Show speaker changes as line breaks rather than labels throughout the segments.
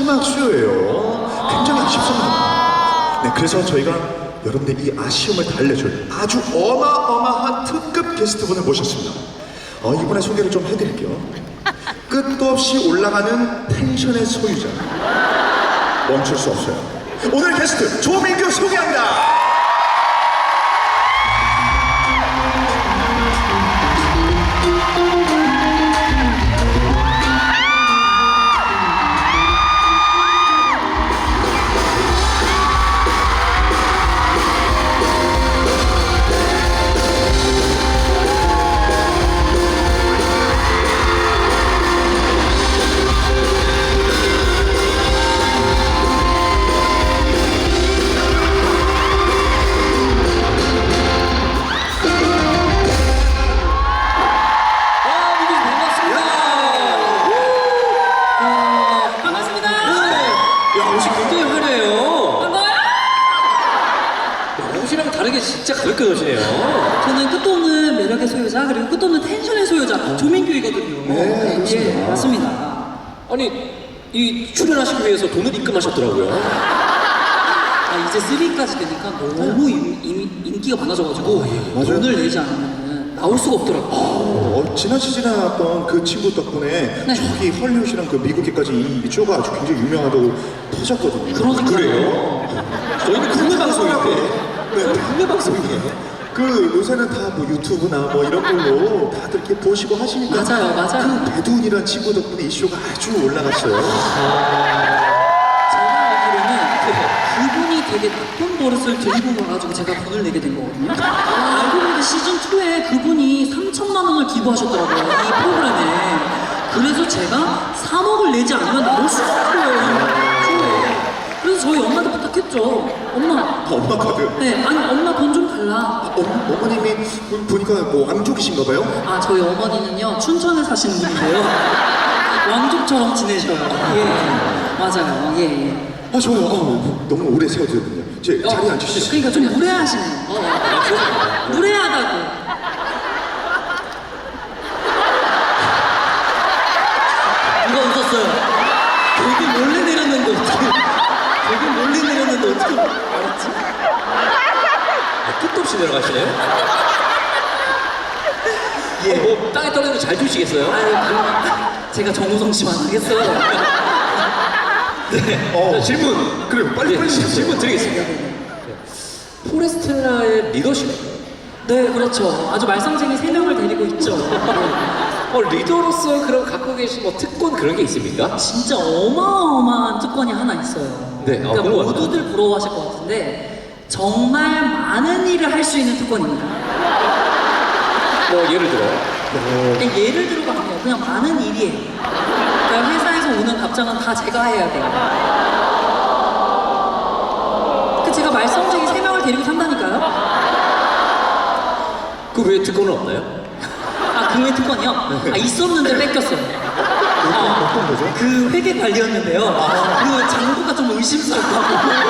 마지막 수요예요. 굉장히 아쉽습니다. 네, 그래서 저희가 여러분들 이 아쉬움을 달래줄 아주 어마어마한 특급 게스트분을 모셨습니다. 이분의 소개를 좀 해드릴게요. 끝도 없이 올라가는 텐션의 소유자. 멈출 수 없어요. 오늘 게스트 조민규 소개합니다.
진짜 가볍게 넣으시네요.
저는 끝도 없는 매력의 소유자 그리고 끝도 없는 텐션의 소유자 조민규이거든요.
네, 그렇습니다.
예, 맞습니다.
아니 이 출연하시기 위해서 돈을 입금하셨더라고요.
이제 3까지 되니까 너무 인기가 많아져가지고 돈을 내지 않으면 나올 수가 없더라고요.
지난 시즌에 나왔던 그 친구 덕분에
네.
저기 헐리우드랑 그 미국에까지 이 쇼가 아주 굉장히 유명하다고 터졌거든요.
그러니까요.
그래요? 저희는 국내 방송인데. 네, 국내 방송이에요.
그 요새는 다 뭐 유튜브나 뭐 이런 걸로 다들 이렇게 보시고 하시니까
맞아요.
그 배두훈이란 친구 덕분에 이 쇼가 아주 올라갔어요.
제가 알기로는 그분이 되게 나쁜 버릇을 들고 와가지고 제가 돈을 내게 된 거거든요. 알고 보니까 시즌2에 그분이 3천만 원을 기부하셨더라고요. 이 프로그램에. 그래서 제가 3억을 내지 않으면 나올 수가 없어요. 이 쇼에. 그래서 저희 엄마한테 부탁했죠.
엄마 카드.
네, 아니 엄마 돈 좀 달라.
어머님이 보니까 뭐 왕족이신가 봐요?
저희 어머니는요 춘천에 사시는 분인데요. 왕족처럼 지내셔요. 예, 맞아요. 예.
저요. 너무 오래 세워드렸거든요. 제 자리에 앉으시죠.
그러니까 좀 무례하시네요. 무례하다고. 누가 웃었어요? 되게 몰래 내렸는데 어떻게? 되게 몰래 내렸는데 어떻게 알았지?
끝도 없이 내려가시네요.
예.
뭐 땅에 떨어지면 잘 주시겠어요?
제가 정우성 씨만 하겠어요.
네. 자, 질문.
그래요. 빨리
질문 드리겠습니다. 포레스텔라의 리더십.
네, 그렇죠. 아주 말썽쟁이 3명을 데리고 있죠.
리더로서 그럼 갖고 계신 뭐 특권 그런 게 있습니까?
진짜 어마어마한 특권이 하나 있어요.
네,
그러니까
궁금합니다.
모두들 부러워하실 것 같은데 정말 많은 일을 할 수 있는 특권입니다.
뭐 예를 들어요?
그러니까 예를 들어가 아니에요. 그냥 많은 일이에요. 그러니까 회사에서 오는 답장은 다 제가 해야 돼요. 제가 말썽쟁이 3명을 데리고 산다니까요?
그 외에 특권은 없나요?
그 외 특권이요? 있었는데 뺏겼어요.
어떤 거죠?
그 회계 관리였는데요. 그 장부가 좀 의심스럽다고.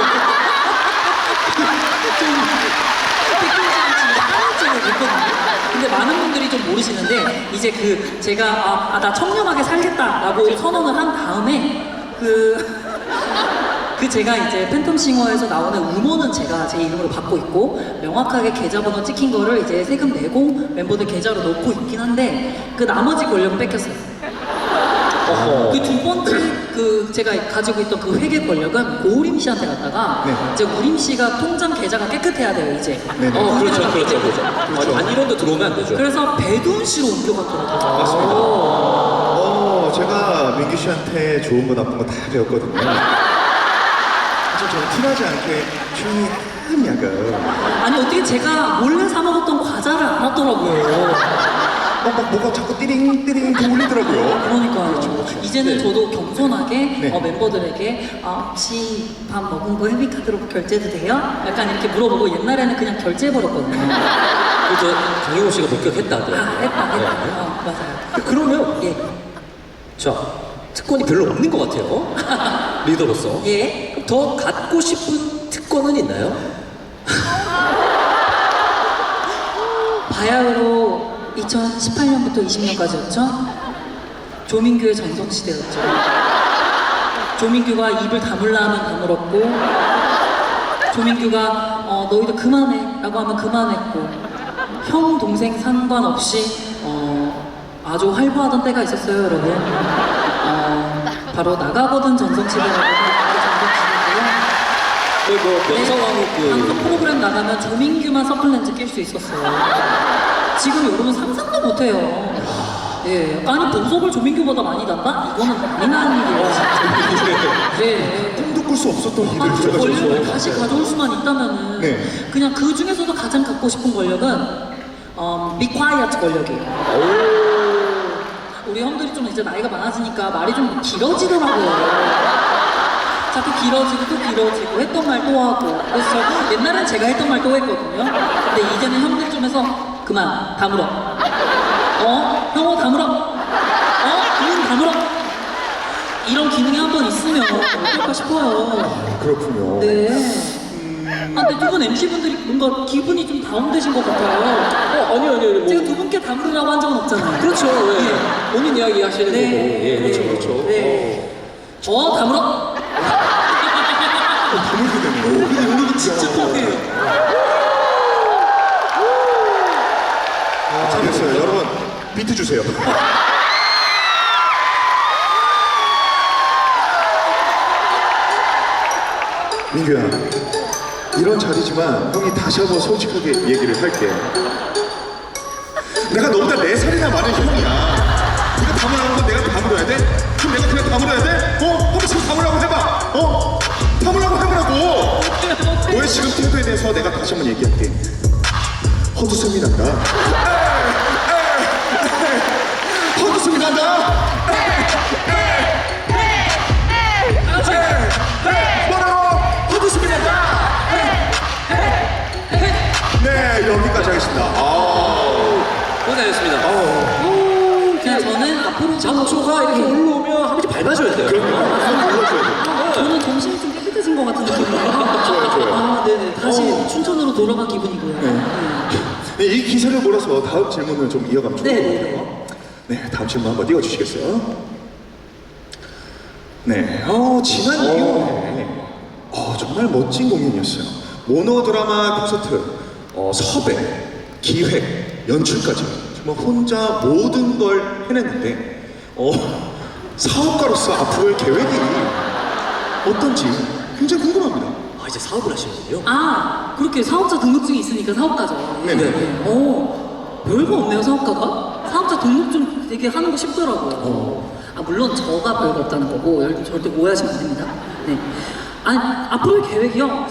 좀 뺏긴지 하나쯤을 냈거든요. 근데 많은 분들이 좀 모르시는데 이제 제가 나 청렴하게 살겠다라고 선언을 한 다음에 제가 이제 팬텀싱어에서 나오는 음원은 제가 제 이름으로 받고 있고 명확하게 계좌번호 찍힌 거를 이제 세금 내고 멤버들 계좌로 넣고 있긴 한데 그 나머지 권력은 뺏겼어요. 그 두 번째 제가 가지고 있던 그 회계 권력은 고우림 씨한테 갔다가
네.
이제 우림 씨가 통장 계좌가 깨끗해야 돼요 이제.
네.
그렇죠.
그렇죠.
단일원도 들어오면 안 되죠.
그래서 배두훈 씨로 옮겨갔더라고요.
맞습니다. 제가 민규 씨한테 좋은 거 나쁜 거 다 배웠거든요. 사실 저는 티나지 않게 조용히 약간
아니 어떻게 제가 몰래 사 먹었던 과자를 알았더라고요.
막 뭐가 자꾸 띠링띠링 울리더라고요.
그러니까요. 이제는
네.
저도 겸손하게
네.
멤버들에게 혹시 밥 먹은 거 헤비카드로 결제도 돼요? 약간 이렇게 물어보고 옛날에는 그냥 결제해버렸거든요.
그저 강희호 씨가 목격했다 하더라고요.
했다.
네.
맞아요.
그러면
예.
자 특권이 별로 없는 것 같아요. 리더로서.
예.
그럼 더 갖고 싶은 특권은 있나요?
바야흐로 2018년부터 20년까지였죠. 조민규의 전성시대였죠. 조민규가 입을 다물라 하면 다물었고, 조민규가 너희들 그만해 라고 하면 그만했고, 형 동생 상관없이 아주 활보하던 때가 있었어요, 여러분. 바로 나가거든 전성시대라고 하는 그 전성시대인데요. 방송 프로그램 나가면 조민규만 서플렌즈 낄 수 있었어요. 지금 여러분 상상도 못해요. 예, 아니 보석을 조민규보다 많이 단다? 이거는 많이 나는 일이에요, 진짜. 네.
꿈도 꿀 수 없었던 일을
그
제가
권력을
지금
다시 가져올 수만 있다면은
네.
그냥 그 중에서도 가장 갖고 싶은 권력은 Be Quiet 권력이에요. 우리 형들이 좀 이제 나이가 많아지니까 말이 좀 길어지더라고요. 자꾸 길어지고 또 길어지고 했던 말 또 하고. 그래서 저 옛날엔 제가 했던 말 또 했거든요. 근데 이제는 형들 좀 해서 그만 다물어. 형호 다물어. 기운 다물어. 이런 기능이 한번 있으면 어떨까 싶어요.
그렇군요.
네. 근데 두 분 MC분들이 뭔가 기분이 좀 다운되신 것 같아요.
아니요.
제가 두 분께 다물으라고 한 적은 없잖아요.
그렇죠. 예. 본인 이야기 하시는
네.
거고. 예,
네.
그렇죠.
네. 다물어.
다물게 되네요. 근데 은근히
진짜 뻔해요.
잘했어요. 여러분, 비트 주세요. 민규야, 이런 자리지만 형이 다시 한번 솔직하게 얘기를 할게. 내가 너보다 4살이나 많은 형이야. 네가 다물라는 건 내가 다물어야 돼? 그럼 내가 그냥 다물어야 돼? 한번 지금 다물라고 해봐. 다물라고 해보라고. 너의 지금 태도에 대해서 내가 다시 한번 얘기할게. 헛웃음이 난다. 헛웃음이 난다. 뭐라고? 헛웃음이 난다. 네, 여기까지 하겠습니다.
고생하셨습니다.
그냥 저는 앞으로
장소가 이렇게 올라오면 한 번씩 밟아줘야 돼요.
저는 정신이 좀 깨끗해진 것 같은 느낌이에요.
좋아요.
네네. 다시 춘천으로 돌아간 기분이고요.
네, 이 기세를 몰아서 다음 질문을 좀 이어가면 좋을 것
네.
같아요. 네, 다음 질문 한번 띄워주시겠어요? 네, 지난 2월에 정말 멋진 공연이었어요. 모노드라마 콘서트, 섭외, 기획, 연출까지 정말 혼자 모든 걸 해냈는데 사업가로서 앞으로의 계획이 어떤지 굉장히 궁금합니다.
이제 사업을 하시는군요.
그렇게 사업자 등록증이 있으니까 사업가죠.
네네.
별거 없네요, 사업가가. 사업자 등록증 되게 하는 거 쉽더라고요. 물론 저가 별거 없다는 거고, 여러분 절대 오해하시면 안 됩니다. 네. 앞으로의 계획이요?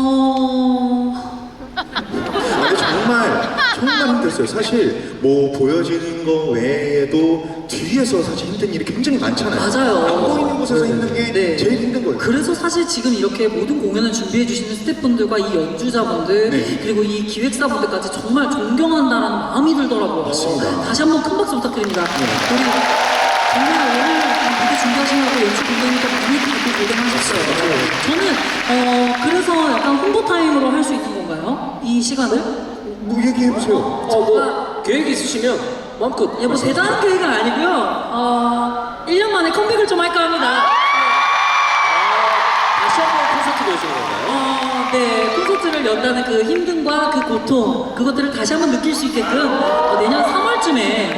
아니 정말 힘들었어요. 사실 뭐 보여지는 거 외에도 뒤에서 사실 힘든 일이 굉장히 많잖아요.
맞아요.
안 보이는 곳에서 힘든 게
네.
제일 힘든 거예요.
그래서 사실 지금 이렇게 모든 공연을 준비해 주시는 스태프분들과 이 연주자분들
네.
그리고 이 기획사분들까지 정말 존경한다라는 마음이 들더라고요.
맞습니다.
다시 한번 큰 박수 부탁드립니다. 우리 정말 오늘 무대 준비하시느라고 연출 분들님께 많이 바쁘게 고생하셨어요. 저는 그래서 약간 홍보 타임으로 할 수 있는 건가요? 이 시간을?
뭐 얘기해보세요.
뭐 계획 있으시면 마음껏.
뭐 대단한 계획은 아니고요. 1년 만에 컴백을 좀 할까 합니다.
다시 한번 콘서트 보시는 건가요?
네, 콘서트를 연다는 그 힘듦과 그 고통, 그것들을 다시 한번 느낄 수 있게끔 내년 3월쯤에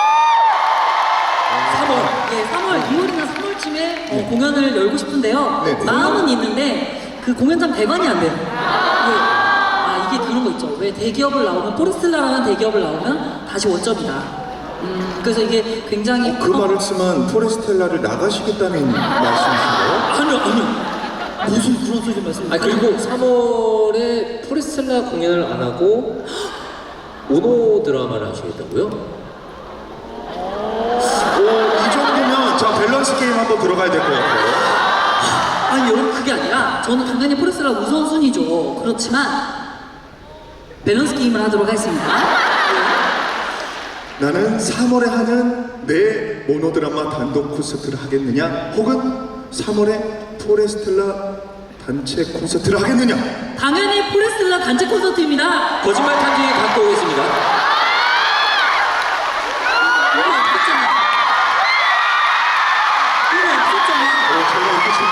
2월이나 3월쯤에 공연을 열고 싶은데요.
네.
마음은 있는데 그 공연장 대관이 안 돼요. 이게 그런 거 있죠. 왜 대기업을 나오면 포레스텔라라는 대기업을 나오면 다시 원점이다. 그래서 이게 굉장히
그 말을 쓰면 포레스텔라를 나가시겠다는 말씀이신가요?
아니요. 무슨 그런 소리 말씀?
그리고 3월에 포레스텔라 공연을 안 하고 오노 드라마를 하시겠다고요?
이 정도면 자 밸런스 게임 한번 들어가야 될 것 같아요.
여러분 그게 아니라 저는 당연히 포레스텔라 우선순위죠. 그렇지만 밸런스 게임을 하도록 하겠습니다.
나는 3월에 하는 내 모노드라마 단독 콘서트를 하겠느냐 혹은 3월에 포레스텔라 단체 콘서트를 하겠느냐.
당연히 포레스텔라 단체 콘서트입니다.
거짓말 탐지 갖고 오겠습니다.
이거 없었잖아.
제가 이렇게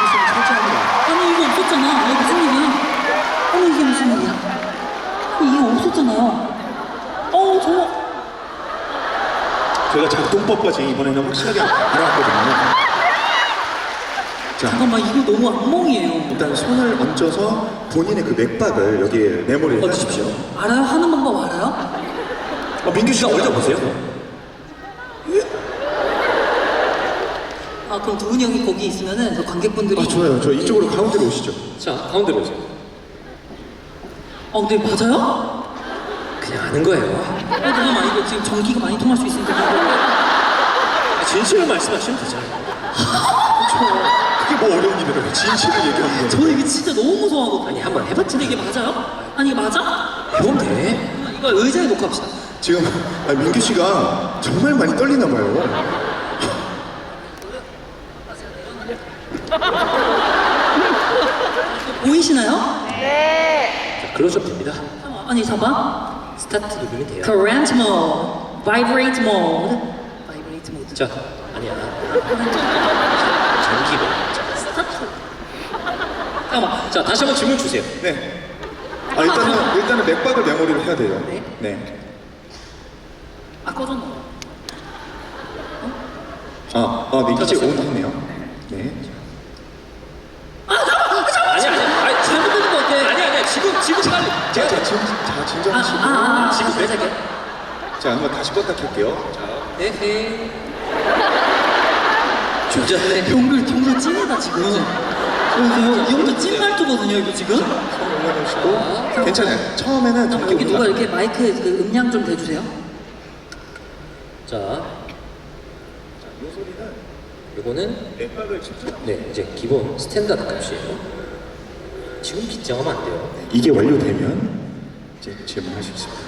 했잖아요. 저
저희가 작동법까지 이번에는 확실하게 알아왔거든요. 자,
잠깐만 이거 너무 악몽이에요.
일단 손을 얹어서 본인의 그 맥박을 여기에 메모리를
얹으십시오.
알아요? 하는 방법 알아요?
민규 씨가 얹어보세요.
아 그럼 두훈이 형이 거기 있으면은 저 관객분들이
아, 좋아요. 저 이쪽으로 가운데로 오시죠.
자, 가운데로 오세요.
근데 맞아요?
그냥 아는 거예요.
잠깐만 이거 지금 전기가 많이 통할 수 있으니까 이거
진실을 말씀하시면 되잖아요.
그게 뭐 어려운 일이라고 진실을 얘기하는 거예요.
저 이게 진짜 너무 무서워하거든요.
아니, 한번 해봤지.
근데 이게 맞아요? 아니 이게 맞아?
해보면 돼.
이거 의자에 놓고 합시다.
지금 민규 씨가 정말 많이 떨리나 봐요.
보이시나요?
자, 그러셔도 됩니다.
아니 잡아.
스타트 누르면 돼요.
Current mode, vibrate mode, vibrate mode.
자, 아니야. 전기로.
스타트. 잠깐만.
자, 다시 한번 질문 주세요.
네. 일단은 맥박을 메모리를 해야 돼요.
네.
네.
아 꺼졌나?
민규 씨 온 했네요. 네.
아니,
잘못된 것 같아.
아니야. 지금 빨리.
진정하시고.
지금 왜 자게?
자, 한번 다시 껐다 켤게요. 자,
에헤. 조절해.
경글 찐이다 지금. 이 형도 찐 말투거든요 이거 지금.
올려놓으시고. 괜찮아요. 처음에는
여기 누가
전기보다
이렇게 마이크 그 음량 좀 대주세요.
자, 요거는
맥박을 직접.
네, 이제 기본 스탠다드 값이에요. 지금 긴장하면 안 돼요.
이게 완료되면 이제 질문할 수 있습니다.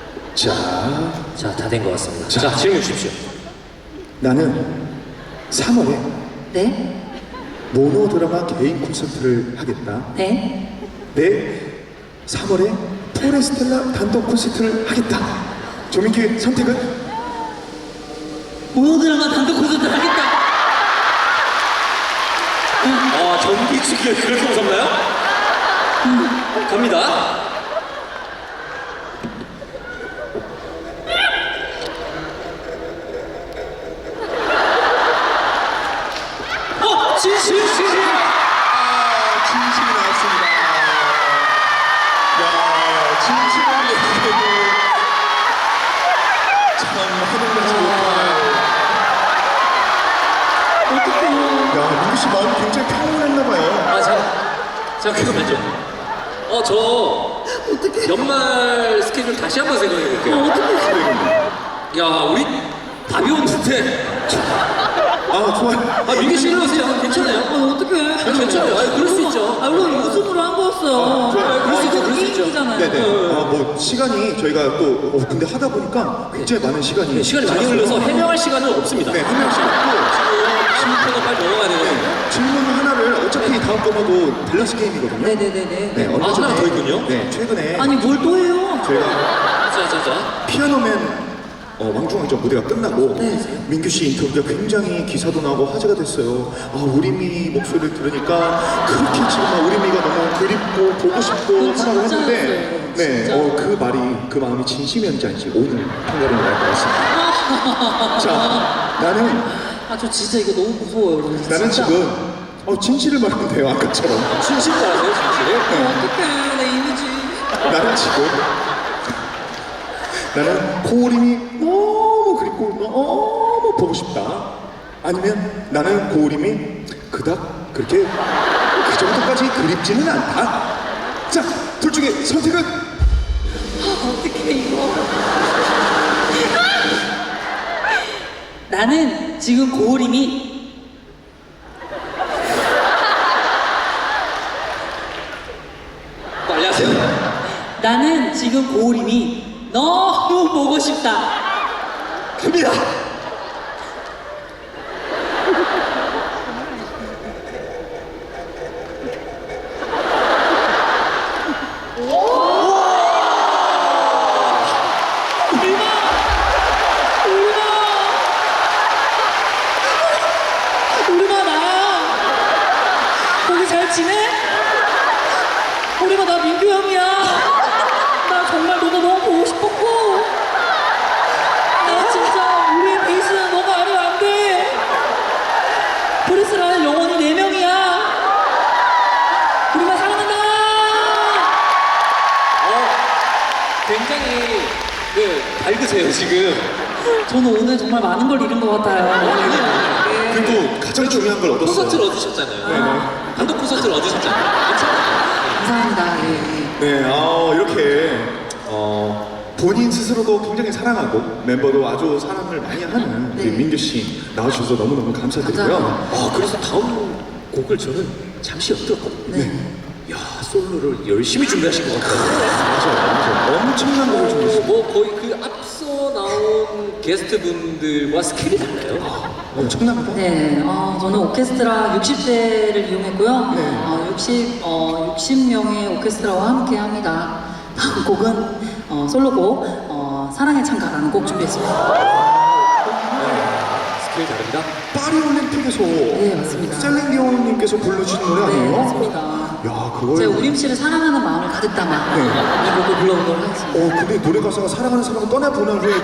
자,
자, 다 된 것 같습니다.
자.
자, 질문 주십시오.
나는 3월에
네?
모노 드라마 개인 콘서트를 하겠다.
네?
내 3월에 포레스텔라 단독 콘서트를 하겠다. 조민규의 선택은?
모노드라마 단독 콘서트 하겠다.
전기 축이 그렇게 무섭나요? 갑니다.
진실.
진실이 나왔습니다. 야, 진실을 얘기해도 참 허둥하지 못할.
어떡해요.
야, 민규 씨 마음이 굉장히 평온했나봐요.
잠깐만요. 저 연말 스케줄 다시 한번 생각해 볼게요.
어떡해.
야, 우리 답이 없는데.
좋아요.
민규 씨는 괜찮아요?
어떡해.
괜찮아요. 그럴 수 있죠.
물론 웃음으로 한 거였어요.
좋아요.
그럴 수 있죠, 그럴 수 있죠.
게임이잖아요.
네네. 뭐 시간이 저희가 또 근데 하다 보니까 굉장히 많은 시간이
시간이 많이
지났어요.
흘러서 해명할 시간은 없습니다.
네, 한 명씩 있고
지금 빨리 넘어가야 되거든요.
질문 하나를 어차피 다음 번호도 밸런스 게임이거든요.
네네네네.
네, 얼마 전에
하나 더 있군요?
네, 최근에
아니 뭘 또 해요?
저희가
자.
피아노맨 왕중왕전 무대가 끝나고
네.
민규 씨 인터뷰가 굉장히 기사도 나고 화제가 됐어요. 우리미 목소리를 들으니까 그렇게 지금 우리미가 너무 그립고 보고 싶고 하라고 했는데 네,
진짜.
그 말이 그 마음이 진심이었는지 아닌지 오늘 판가름이 날 것 같습니다. 자, 나는
저 진짜 이거 너무 무서워요 여러분.
나는
진짜.
지금 진실을 말하면 돼요 아까처럼.
진실 말하세요, 진실을.
어떡해 내 이미지.
나는 고우림이 너무 그립고 너무 보고 싶다. 아니면 나는 고우림이 그닥 그렇게 그 정도까지 그립지는 않다. 자, 둘 중에 선택은?
어떡해 이거. 나는 지금 고우림이
빨리 하세요.
나는 지금 고우림이 너무 보고 싶다.
갑니다.
우리가 나야. 거기 잘 지내? 우리가 나 민규 형이야. 나 정말 너가 너무
밝으세요 지금.
저는 오늘 정말 많은 걸 잃은 것 같아요. 네.
그리고 가장 중요한 걸 얻었어요.
콘서트를 얻으셨잖아요. 단독 콘서트를 얻으셨잖아요. 괜찮아요.
감사합니다. 예, 예.
네, 이렇게 본인 스스로도 굉장히 사랑하고 멤버도 아주 사랑을 많이 하는
네.
우리 민규 씨 나와주셔서 너무너무 감사드리고요.
감사합니다.
그래서 다음 곡을 저는 잠시 엿들었거든요.
네.
야, 솔로를 열심히 준비하신 것 같아요.
맞아요. 엄청난 곡을 준비했어요.
뭐 거의 그 앞서 나온 게스트분들과 스케일이 달라요.
엄청납니다.
네, 저는 오케스트라 60대를 이용했고요.
네.
60명의 오케스트라와 함께 합니다. 다음 곡은 솔로곡 사랑의 창가라는 곡 준비했습니다.
스케일 다릅니다.
파리 올림픽에서
네, 맞습니다.
셀렌디온님께서 불러주신 노래
네,
아니에요?
맞습니다.
야, 그걸.
제가 우림 씨를 사랑하는 마음을 가득 담아
네.
이 곡을 불러보도록 하겠습니다.
근데 노래 가사가 사랑하는 사람을 떠나보낸 후에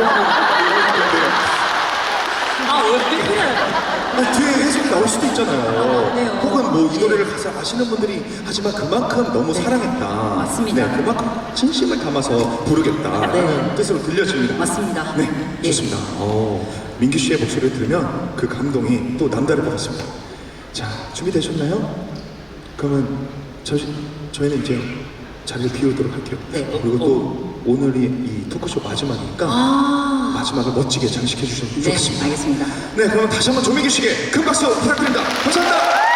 왜 그래?
뒤에 해석이 나올 수도 있잖아요.
네.
혹은 뭐 이 노래를 가사 아시는 분들이 하지만 그만큼 너무 사랑했다.
맞습니다.
네, 그만큼 진심을 담아서 부르겠다.
네.
라는 뜻으로 들려집니다.
맞습니다.
네,
예.
좋습니다. 민규 씨의 목소리를 들으면 그 감동이 또 남다를 것 같습니다. 자, 준비되셨나요? 그러면 저희는 이제 자리를 비우도록 할게요.
네.
그리고 또 오늘이 이 토크쇼 마지막이니까 마지막을 멋지게 장식해 주셨으면
네,
좋겠습니다.
알겠습니다.
네, 그럼 다시 한번 조민규 씨에게 큰 박수 부탁드립니다. 감사합니다.